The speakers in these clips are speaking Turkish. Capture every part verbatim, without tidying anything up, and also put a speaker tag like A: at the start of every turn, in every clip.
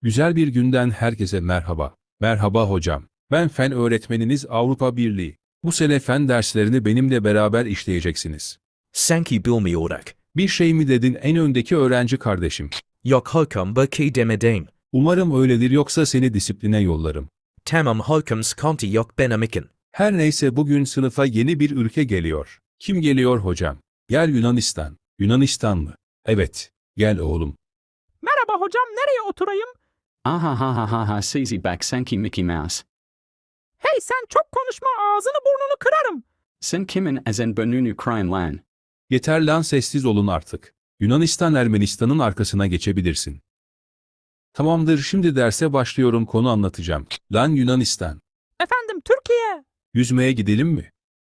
A: Güzel bir günden herkese merhaba. Merhaba hocam. Ben fen öğretmeniniz Avrupa Birliği. Bu sene fen derslerini benimle beraber işleyeceksiniz.
B: Sanki bilmiyorduk.
A: Bir şey mi dedin en öndeki öğrenci kardeşim?
B: Yok hokum bu ki demedim.
A: Umarım öyledir yoksa seni disipline yollarım.
B: Tamam hokum sıkıntı yok benim için.
A: Her neyse bugün sınıfa yeni bir ülke geliyor. Kim geliyor hocam? Gel Yunanistan. Yunanistan mı? Evet. Gel oğlum.
C: Merhaba hocam, nereye oturayım?
D: Ah ha ha ha ha Sizi bak sanki Mickey Mouse.
C: Hey sen çok konuşma, ağzını burnunu kırarım.
D: Sen kimin azen burnunu crying lan.
A: Yeter lan sessiz olun artık. Yunanistan Ermenistan'ın arkasına geçebilirsin. Tamamdır şimdi derse başlıyorum konu anlatacağım. Lan Yunanistan.
C: Efendim Türkiye.
A: Yüzmeye gidelim mi?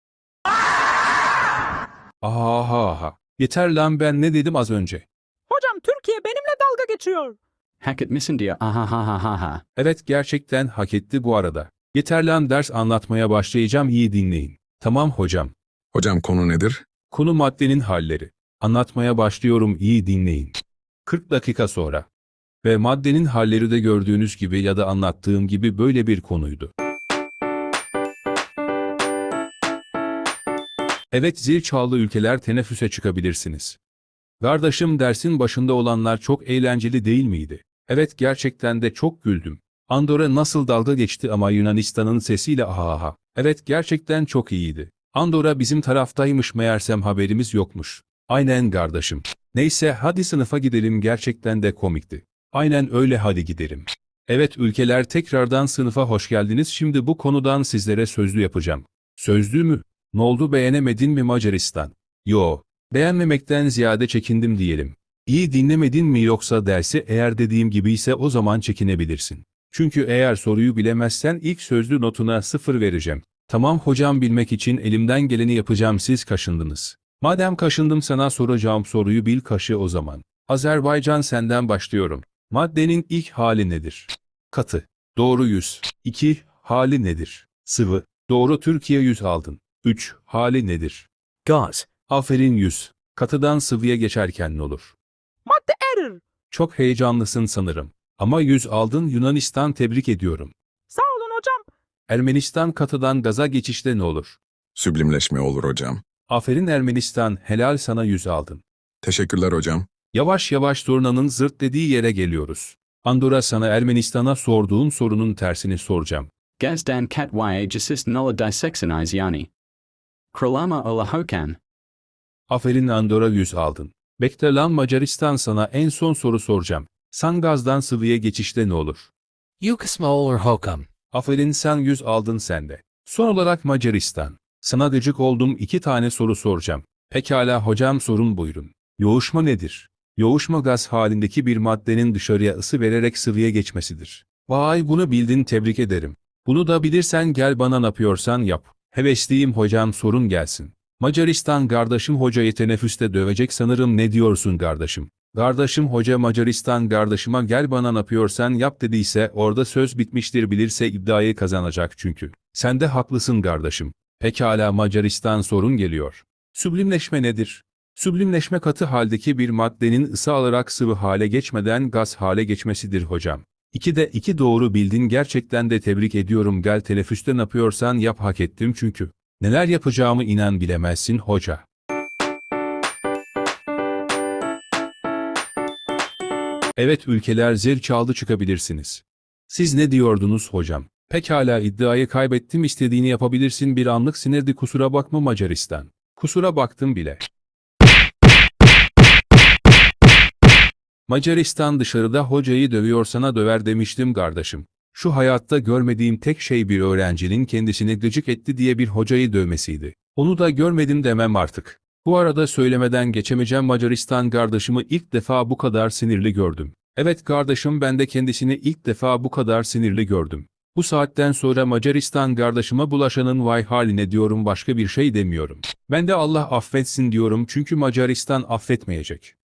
A: Aha aha aha. Yeter lan ben ne dedim az önce.
C: Hocam Türkiye benimle dalga geçiyor.
D: Hak etmişsin diye ah ha ha ha ha ha.
A: Evet gerçekten hak etti bu arada. Yeter lan ders anlatmaya başlayacağım iyi dinleyin. Tamam hocam.
E: Hocam konu nedir?
A: Konu maddenin halleri. Anlatmaya başlıyorum iyi dinleyin. kırk dakika sonra. Ve maddenin halleri de gördüğünüz gibi ya da anlattığım gibi böyle bir konuydu. Evet zil çaldı ülkeler teneffüse çıkabilirsiniz. Kardeşim dersin başında olanlar çok eğlenceli değil miydi? Evet gerçekten de çok güldüm. Andorra nasıl dalga geçti ama Yunanistan'ın sesiyle aha aha. Evet gerçekten çok iyiydi. Andorra bizim taraftaymış meğersem haberimiz yokmuş. Aynen kardeşim. Neyse hadi sınıfa gidelim gerçekten de komikti. Aynen öyle hadi gidelim. Evet ülkeler tekrardan sınıfa hoş geldiniz şimdi bu konudan sizlere sözlü yapacağım. Sözlü mü? Ne oldu beğenemedin mi Macaristan? Yo. Beğenmemekten ziyade çekindim diyelim. İyi dinlemedin mi yoksa dersi eğer dediğim gibi ise o zaman çekinebilirsin. Çünkü eğer soruyu bilemezsen ilk sözlü notuna sıfır vereceğim. Tamam hocam bilmek için elimden geleni yapacağım siz kaşındınız. Madem kaşındım sana soracağım soruyu bil kaşı o zaman. Azerbaycan senden başlıyorum. Maddenin ilk hali nedir? Katı. Doğru yüz. iki. Hali nedir? Sıvı. Doğru Türkiye yüz aldın. üç. Hali nedir?
B: Gaz.
A: Aferin yüz. Katıdan sıvıya geçerken ne olur?
C: Madde erir.
A: Çok heyecanlısın sanırım. Ama yüz aldın Yunanistan tebrik ediyorum.
C: Sağ olun hocam.
A: Ermenistan katıdan gaza geçişte ne olur?
E: Süblimleşme olur hocam.
A: Aferin Ermenistan helal sana yüz aldın.
E: Teşekkürler hocam.
A: Yavaş yavaş turnanın zırt dediği yere geliyoruz. Andorra sana Ermenistan'a sorduğun sorunun tersini soracağım.
D: Gazdan kat ya jasist nulla dissectionize yani. Kralama ola hokan.
A: Aferin Andorra yüz aldın. Bekle lan Macaristan sana en son soru soracağım. Sen gazdan sıvıya geçişte ne olur?
B: Yukasma olur hokum.
A: Aferin sen yüz aldın sen de. Son olarak Macaristan. Sana gıcık oldum iki tane soru soracağım. Pekala hocam sorun buyurun. Yoğuşma nedir? Yoğuşma gaz halindeki bir maddenin dışarıya ısı vererek sıvıya geçmesidir. Vay bunu bildin tebrik ederim. Bunu da bilirsen gel bana ne yapıyorsan yap. Hevesliyim hocam sorun gelsin. Macaristan kardeşim hocayı teneffüste dövecek sanırım ne diyorsun kardeşim? Kardeşim hoca Macaristan kardeşime gel bana ne yapıyorsan yap dediyse orada söz bitmiştir bilirse iddiayı kazanacak çünkü. Sen de haklısın kardeşim. Pekala Macaristan sorun geliyor. Süblimleşme nedir? Süblimleşme katı haldeki bir maddenin ısı alarak sıvı hale geçmeden gaz hale geçmesidir hocam. İki de iki doğru bildin gerçekten de tebrik ediyorum gel teneffüste ne yapıyorsan yap hak ettim çünkü. Neler yapacağımı inan bilemezsin hoca. Evet ülkeler zil çaldı çıkabilirsiniz. Siz ne diyordunuz hocam? Pekala iddiayı kaybettim istediğini yapabilirsin bir anlık sinirdi kusura bakma Macaristan. Kusura baktım bile. Macaristan dışarıda hocayı dövüyor sana döver demiştim kardeşim. Şu hayatta görmediğim tek şey bir öğrencinin kendisini gıcık etti diye bir hocayı dövmesiydi. Onu da görmedim demem artık. Bu arada söylemeden geçemeyeceğim Macaristan kardeşimi ilk defa bu kadar sinirli gördüm. Evet kardeşim ben de kendisini ilk defa bu kadar sinirli gördüm. Bu saatten sonra Macaristan kardeşime bulaşanın vay haline diyorum başka bir şey demiyorum. Ben de Allah affetsin diyorum çünkü Macaristan affetmeyecek.